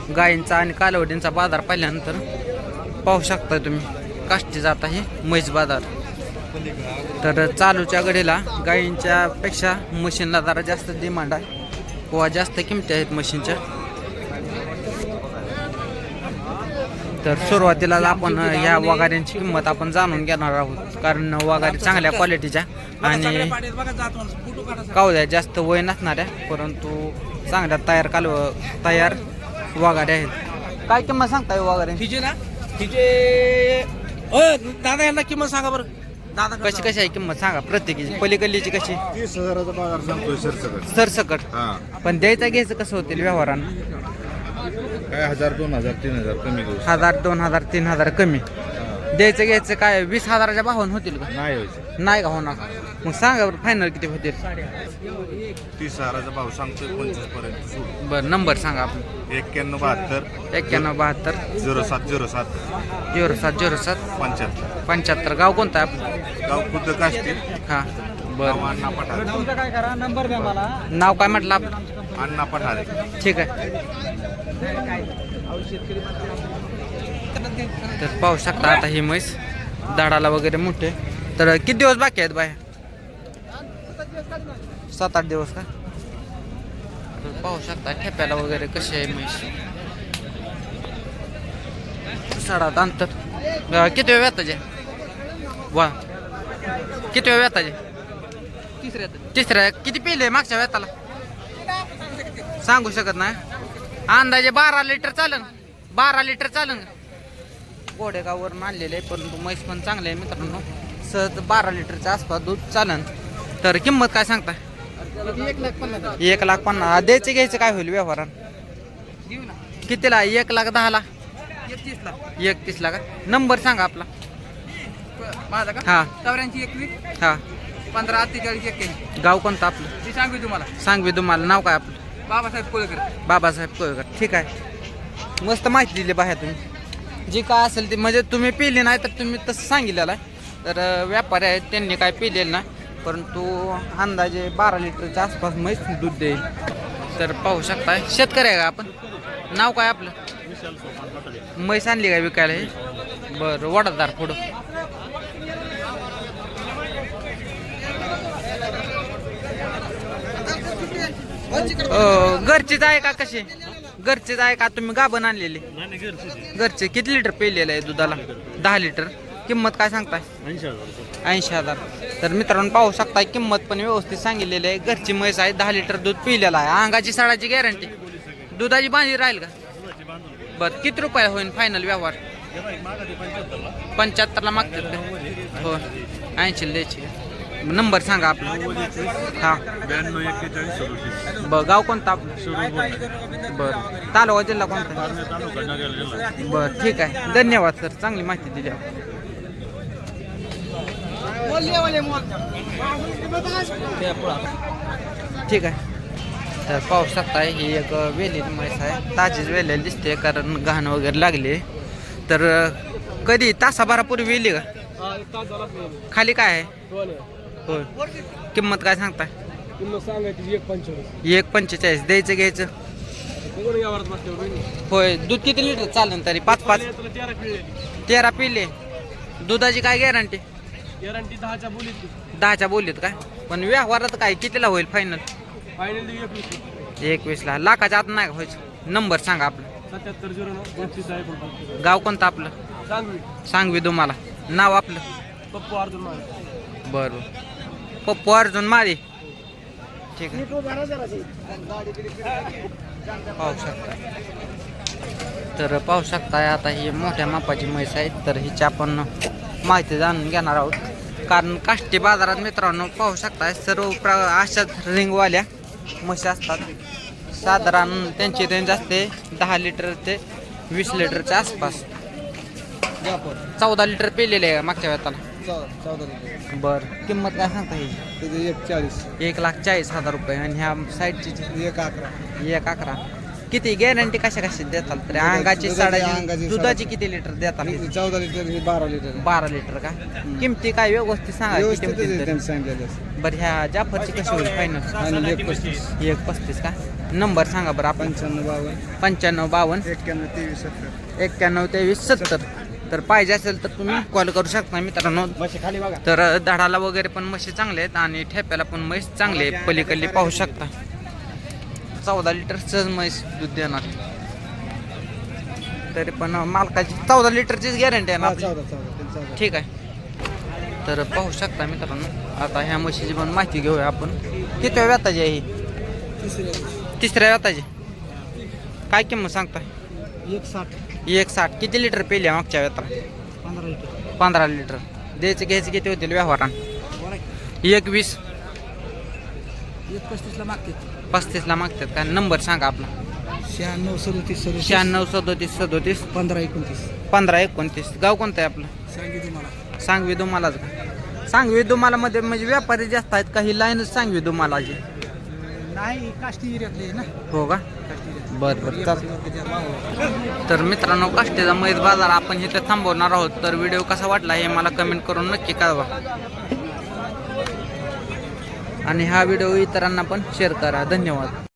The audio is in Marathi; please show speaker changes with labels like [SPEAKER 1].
[SPEAKER 1] गायींचा आणि कालवडींचा बाजार पाहिल्यानंतर पाहू शकता तुम्ही काष्टी जात आहे म्हैस बाजार. तर चालूच्या घडीला गायींच्या पेक्षा मशीनला जरा जास्त डिमांड आहे किंवा जास्त किमती आहेत मशीनच्या. तर सुरुवातीला आपण ह्या वगाऱ्यांची किंमत आपण जाणून घेणार आहोत, कारण वगारी चांगल्या क्वालिटीच्या आणि कावद्या जास्त वय नसणाऱ्या परंतु चांगल्या तयार वगाऱ्या आहेत. काय किंमत सांगताय वगाऱ्यांची?
[SPEAKER 2] तिचे ना तिचे दादा यांना किंमत सांगा बरं. दादा
[SPEAKER 1] कशी आहे किंमत सांगा प्रत्येकीची? पलीकडलीची कशी?
[SPEAKER 3] 30,000चा पगार सांगतोय सरसकट.
[SPEAKER 1] सरसकट. पण द्यायचं घ्यायचं कसं होतील व्यवहारानं?
[SPEAKER 3] काय 1,000 2,000 3,000 कमी करू.
[SPEAKER 1] 1,000 2,000 3,000 कमी. द्यायचं घ्यायचं काय 20,000च्या भावानं होतील का?
[SPEAKER 3] नाही व्हायचं.
[SPEAKER 1] नाही का होणार? मग सांगा बरं फायनल किती होतील?
[SPEAKER 3] 30,000चा भाव सांगतोय 25 पर्यंत सोडू.
[SPEAKER 1] बरं नंबर सांगा आपण.
[SPEAKER 3] 91 72
[SPEAKER 1] 91 72
[SPEAKER 3] 0707
[SPEAKER 1] 0707
[SPEAKER 3] 75.
[SPEAKER 1] 75. गाव कोणतं आहे आपलं?
[SPEAKER 3] गाव खुद्द काष्टी.
[SPEAKER 1] हां बरं.
[SPEAKER 3] अण्णा पठारे.
[SPEAKER 1] नाव काय म्हटलं आपलं?
[SPEAKER 3] अण्णा पठारे.
[SPEAKER 1] ठीक आहे. तर पाहू शकता आता ही म्हैस दाडाला वगैरे मोठे. तर किती दिवस बाकी आहेत बाया? 7-8 दिवस का? तर पाहू शकता ठेप्याला वगैरे कशी आहे म्हैस. सडात अंतर किती वेळ व्याताचे? वा किती वेळ व्याताचे? तिसऱ्या. किती पिले मागच्या व्याताला? सांगू शकत नाही. अंदाजे 12 लिटर चालन. 12 लिटर चालन. गोडेगाववरून आणलेले आहे परंतु म्हैस पण चांगले आहे मित्रांनो. सहज 12 लिटरच्या आसपास दूध चालन. तर किंमत काय सांगता? 1,50,000. द्यायचं घ्यायचं काय होईल व्यवहारान? कितीला? 1,10,000. 31,00,000 का? नंबर सांगा आपला.
[SPEAKER 2] माझा का?
[SPEAKER 1] हा
[SPEAKER 2] 84
[SPEAKER 1] हा.
[SPEAKER 2] 15 43 81.
[SPEAKER 1] गाव कोणतं आपलं?
[SPEAKER 2] ती सांगू तुम्हाला.
[SPEAKER 1] सांगवी तुम्हाला. नाव काय आपलं?
[SPEAKER 2] बाबासाहेब कोळकर.
[SPEAKER 1] बाबासाहेब कोळकर. ठीक आहे. मस्त माहिती दिली बाहेर तुम्ही. जी काय असेल ती म्हणजे तुम्ही पिली नाही तर तुम्ही तसं सांगितलेलं आहे. तर व्यापारी आहेत त्यांनी काय पिलेलं नाही परंतु अंदाजे 12 लिटरच्या आसपास म्हैस दूध देईल. तर पाहू शकता शेतकरी आहे का आपण? नाव काय आपलं? म्हैस आणली काय विकायला हे? बरं वडादार पुढं. घरचीच आहे का कशी? घरचीच आहे का तुम्ही गाभण आणलेली? घरचे. किती लिटर पेलेलं आहे दुधाला? 10 लिटर. किंमत काय सांगताय? 80,000. तर मित्रांनो पाहू शकता किंमत पण व्यवस्थित सांगितलेली आहे. घरची म्हैस आहे. 10 लिटर दूध पिलेलं आहे. अंगाची सडाची गॅरंटी. दुधाची बांधी राहील का? बरं किती रुपये होईल फायनल व्यवहार? 75ला मागतात का? हो 80 द्यायची. नंबर सांगा आपला. हा
[SPEAKER 3] 92 41 37.
[SPEAKER 1] बरं गाव कोणतं आपलं? बरं तालुका जिल्हा कोणता? बरं ठीक आहे. धन्यवाद सर, चांगली माहिती दिली. ठीक आहे. तर पाहू शकताय ही एक वेलेली म्हैस आहे. ताजीच वेलेली दिसते कारण घाण वगैरे लागली. तर कधी तासाभरापूर्वी वेली का? खाली काय आहे? होय. किंमत काय सांगताय? 1,45. द्यायचं घ्यायचं? होय. दूध किती लिटर चालेल तरी? 5 13 पिले. दुधाची काय गॅरंटी? 10च्या बोलीत काय? पण व्यवहारात काय कितीला होईल फायनल? 21ला. लाखाच्या आत नाही व्हायचं. नंबर सांगा आपलं.
[SPEAKER 2] 7709
[SPEAKER 1] गाव कोणतं आपलं? सांगवी तुम्हाला. नाव आपलं?
[SPEAKER 2] पप्पू अर्जुन माळे.
[SPEAKER 1] बरं पप्पू अर्जुन माळी. ठीक आहे. पाहू शकता. तर पाहू शकता आता ही मोठ्या मापाची म्हैस आहे. तर हिची आपण माहिती जाणून घेणार आहोत कारण काष्टी बाजारात मित्रांनो पाहू शकता सर्व अशाच रिंगवाल्या म्हशी असतात. साधारण त्यांची रेंज असते 10 लिटर ते 20 लिटरच्या आसपास. 14 लिटर पिलेले आहे मागच्या वेळाला.
[SPEAKER 2] 14 लिटर.
[SPEAKER 1] बरं किंमत काय सांगता ही?
[SPEAKER 2] 1,40,000
[SPEAKER 1] रुपये. आणि ह्या साईडची
[SPEAKER 2] 1,11.
[SPEAKER 1] किती गॅरंटी कशा देताल? तर अंगाची साडाची दुधाची किती लिटर देताल?
[SPEAKER 2] 14 लिटर 12 लिटर.
[SPEAKER 1] 12 लिटर का? किमती काय व्यवस्थित सांगा किती? बरं ह्या जाफरची कशी होईल फायनल?
[SPEAKER 2] 1,35.
[SPEAKER 1] 1,35 का? नंबर सांगा बरं आपण. 9552 912370. तर पाहिजे असेल तर तुम्ही कॉल करू शकता मित्रांनो. तर धडाला वगैरे पण म्हशी चांगले आहेत आणि ठेप्याला पण म्हैस चांगले आहे. पलीकडली पाहू शकता. 14 लिटर सहज म्हैस दूध देणार. तरी पण मालकाची 14 लिटरचीच गॅरंटी आहे ना आपली? ठीक आहे. तर पाहू शकता मित्रांनो. आता ह्या म्हशीची पण माहिती घेऊया आपण. किती व्याताची आहे ही? तिसऱ्या व्याताची. काय किंमत सांगताय? 160. किती लिटर पेली आहे मागच्या व्याताला? 15 लिटर. द्यायचं घ्यायचं किती होतील व्यवहारान? 120. 35ला मागतात काय? नंबर सांगा आपला. 96 37 37 15 29. गाव कोणतं आहे आपलं? सांगवी दुमालाच का? सांगवी दुमाला मध्ये म्हणजे व्यापारी जास्त आहेत का? ही लाईनच सांगवी दुमालाची?
[SPEAKER 2] नाही काष्टी एरियातले ना.
[SPEAKER 1] हो का? बरं चालतं. तर मित्रांनो, काष्टीचा म्हैस बाजार आपण इथे थांबवणार आहोत. तर व्हिडिओ कसा वाटला हे मला कमेंट करून नक्की कळवा आणि हा व्हिडिओ इतरांना पण शेअर करा. धन्यवाद.